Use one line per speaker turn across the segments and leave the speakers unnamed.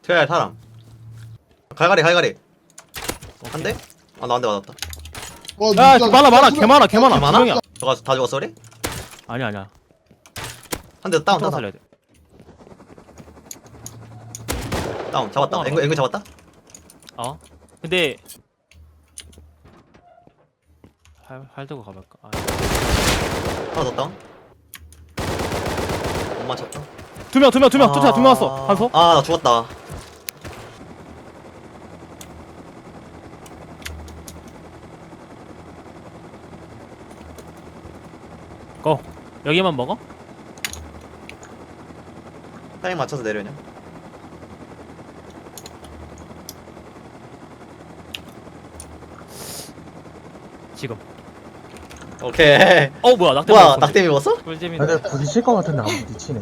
제가 사람. 갈갈이. 한 대? 아, 나 한 대 맞았다.
야, 많아, 개 많아.
많아?
분명이야.
다 죽었어, 우리?
아니야.
한 대 다운.
살려야 돼.
다운. 잡았다. 앵글 잡았다?
어? 근데 활 들고 가볼까? 아,
하나 더 다운. 못 맞췄다.
두 명 왔어. 한소?
아, 나 죽었다.
고. 여기만 먹어?
타임 맞춰서 내려냐?
지금.
오케이.
뭐야, 낙대
뭐야,
먹었어.
낙대미 먹었어?
꿀잼이네.
근데 부딪힐 것 같은데 안 부딪히네.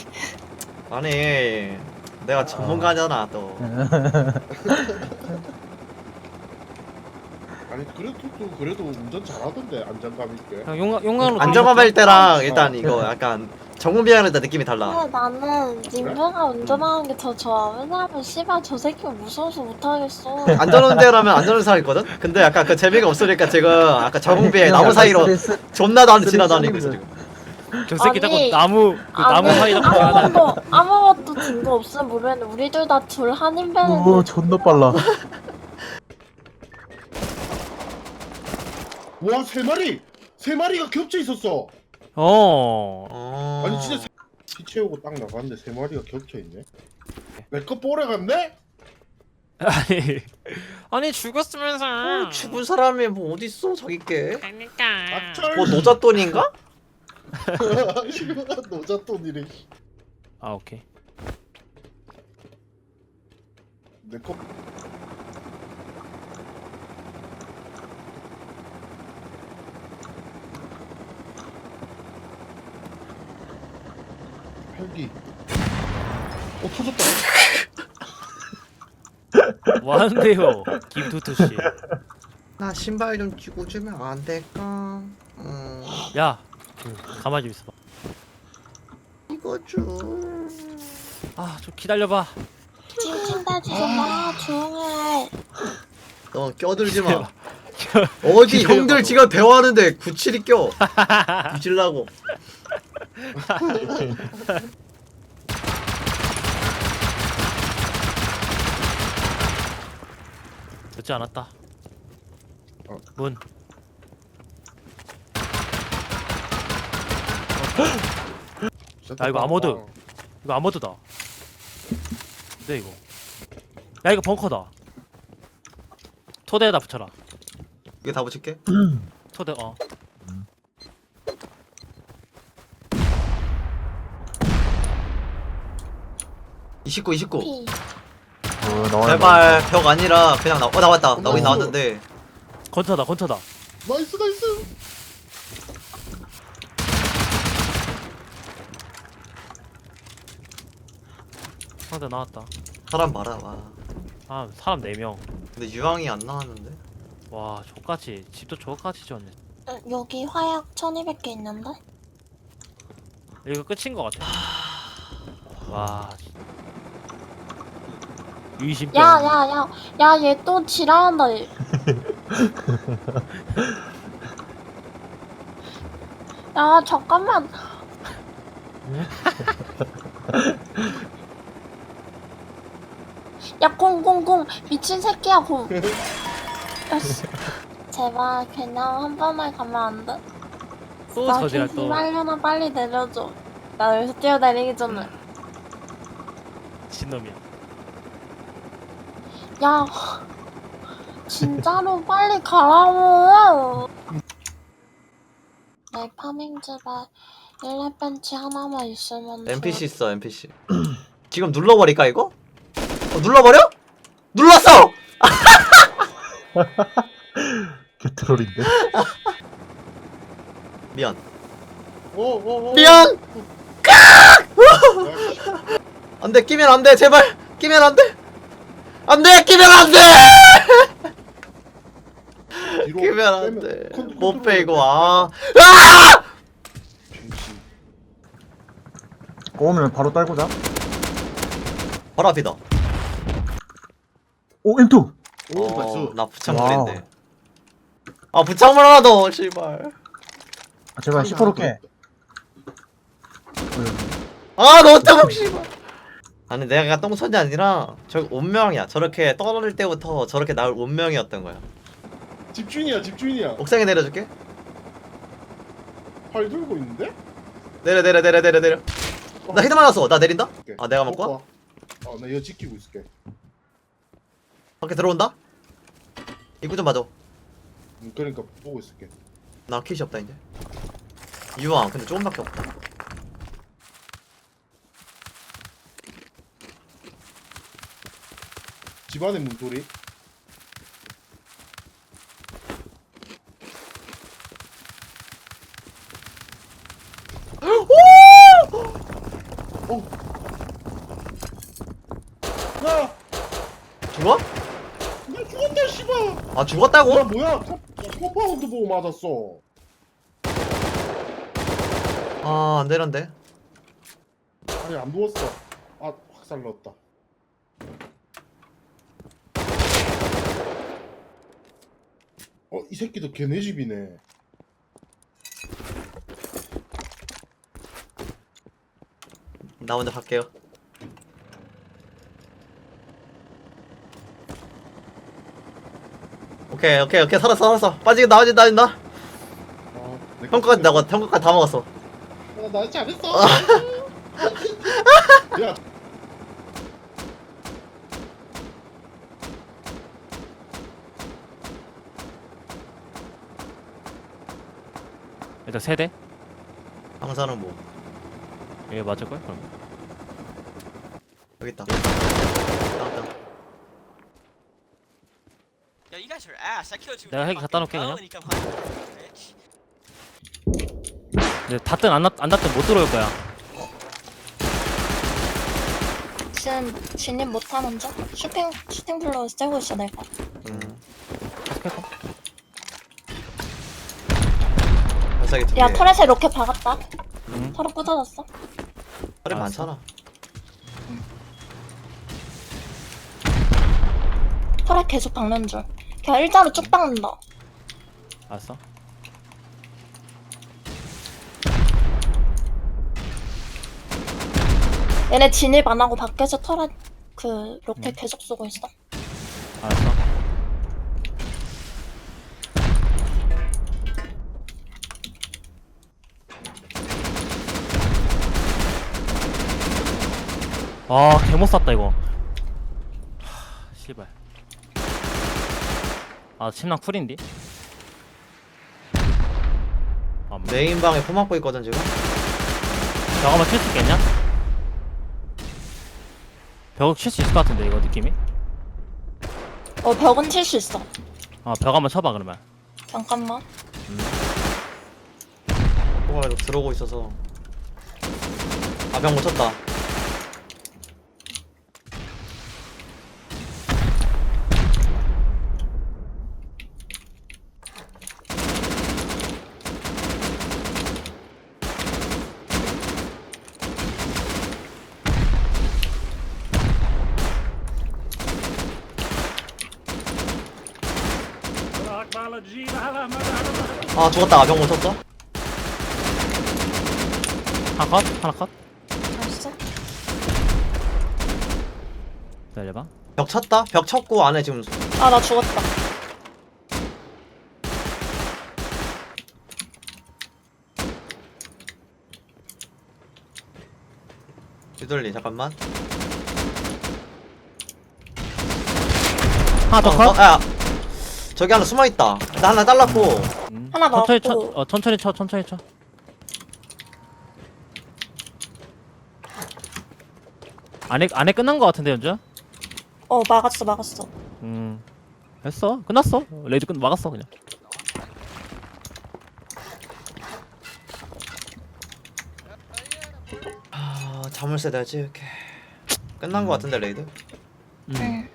아니, 내가 전문가잖아, 또.
아니 그래도 운전 잘하던데 안정감 있게.
그냥 용광로
안정감일 때랑 일단 이거 약간 정문비행할 때 느낌이 달라.
근데 나는 님보가 운전하는 게 더 좋아. 왜냐면 씨발 저 새끼 무서워서 못하겠어.
안전운전하면 안전운전 있거든? 근데 약간 그 재미가 없으니까 지금 아까 정문비행 나무 사이로 존나 나한테 지나다니고 있어 지금.
저 새끼 자꾸
아니,
나무 사이 자꾸 지나다니.
아무것도 증거 없으면 모르겠는데 우리 둘 다 둘 한인배는
오 존나 빨라.
와 세 마리가 겹쳐 있었어. 아니 진짜 피 채우고 딱 나갔는데 세 마리가 겹쳐 있네. 내 거 뽀래 갔네?
아니 죽었으면서.
죽은 사람이 뭐 어딨어 자기께.
그러니까.
악철.
뭐 노잣돈인가?
노잣돈이래.
아, 오케이.
내 거. 헬기. 터졌다.
뭐 하는데요, 김투투 씨.
나 신발 좀 주고 주면 안 될까?
야, 가만히 좀 있어봐.
이거 좀.
아, 좀 기다려봐.
찡찡대지 마. 조용해.
너 껴들지 마. 어디 형들 지금 대화하는데 구칠이 껴. 뒤질라고.
늦지 않았다.
어.
문. 야, 이거 아모드. 이거 아모드다. 근데 이거. 야, 이거 벙커다. 토대에다 붙여라.
이게 다 붙일게.
토대.
29.
피.
나와.
제발 벽 아니라 그냥 나왔다. 나오긴 나왔는데.
건터다.
나이스.
상대 나왔다.
사람 봐라. 와.
아, 사람 4명.
근데 유황이 안 나왔는데.
와, 족같이. 집도 족같이 지었네.
여기 화약 1200개 있는데?
이거 끝인 것 같아. 와. 유이신병.
야, 얘 또 지랄한다. 얘. 야, 잠깐만. 야, 공. 미친 새끼야, 공. 야, 씨. 제발, 그냥 한 번에 가면 안 돼?
또
나
저지랄 또.
빨려나 빨리 내려줘. 나 여기서 뛰어내리기 전에.
신놈이야.
야, 진짜로 빨리 가라고. 내 파밍집에 일렙 벤치 하나만 있으면
NPC 있어 NPC. 지금 눌러버릴까 이거? 눌러버려? 눌렀어!
개트롤인데.
미안.
오.
미안! 안돼 끼면 안돼 제발 끼면 안돼 안돼 끼면 안돼 끼면 안돼 못 빼고 아
꼬우면 바로 딸고자.
바로 앞이다
오 M2.
오 나이스.
나 부창물인데. 아 부창물 하나 더 씨발.
아, 제발 10% 캐.
아 너무 뜨거워 씨발. 아니 내가 똥손이 아니라 저 운명이야. 저렇게 떨어질 때부터 저렇게 나올 운명이었던 거야.
집주인이야 집주인이야.
옥상에 내려줄게.
팔 들고 있는데?
내려. 나 헤드 맞았어. 나 내린다.
오케이.
아 내가 먹고 와?
나 이거 지키고 있을게.
밖에 들어온다. 입구 좀 봐줘.
그러니까 보고 있을게.
나 킷이 없다 이제. 이왕 근데 조금밖에 없다.
집안의 문소리. 오! 야!
죽어?
나 죽었다 씨발!
아 죽었다고?
뭐야? 컴파운드 보고 맞았어.
아 안되는데.
아니 안 누웠어. 아 확살 넣었다. 이 새끼도 걔네 집이네.
나 먼저 갈게요. 오케이 살았어. 빠지게 나진다. 형까지 나가. 형까지 다 먹었어.
나 잘했어. 야,
일단 세대.
방사는 뭐
이게 맞을걸? 그럼.
여기 있다. 나왔다.
Yo, you guys are ass. I killed you.
내가 핵 갖다 놓을게, 그냥.
And you come hunt, bitch.
근데 닫든 안 닫든 못 들어올 거야.
지금 진입 못하는 중? 슈팅 블로 째고 있어 내가.
스펙터?
발사기 두 개.
야 터렛에 로켓 박았다.
응.
터렛 부서졌어.
털이
알았어.
많잖아.
터렛 계속 박는 줄. 그냥 일자로 쭉 박는다.
알았어.
얘네 진입 안 하고 밖에서 터렛 그 로켓 계속 쏘고 있어.
알았어. 아, 개못 쐈다 이거. 씨발. 아, 침낭 쿨인디? 아,
메인 방에 포 맞고 있거든 지금.
벽 한번 칠 수 있겠냐? 벽을 칠 수 있을 것 같은데 이거 느낌이?
벽은 칠 수 있어.
벽 한번 쳐봐 그러면.
잠깐만.
포가 계속 들어오고 있어서. 아병 못 쳤다. 아 죽었다. 아병 못 쳤어.
하나 컷? 하나 컷?
알았어.
기다려봐.
벽 쳤다. 벽 쳤고 안에 지금
아 나 죽었다.
뒤돌리 잠깐만.
하나 더 컷?
야 저기 하나 숨어 있다. 나 하나 잘랐고.
하나
천천히 쳐.
맞고.
천천히 쳐. 안에 끝난 거 같은데 연주야?
막았어.
했어. 끝났어. 레이즈 막았어 그냥.
자물쇠 내가 찍을게. 끝난 거 같은데 레이드.
응.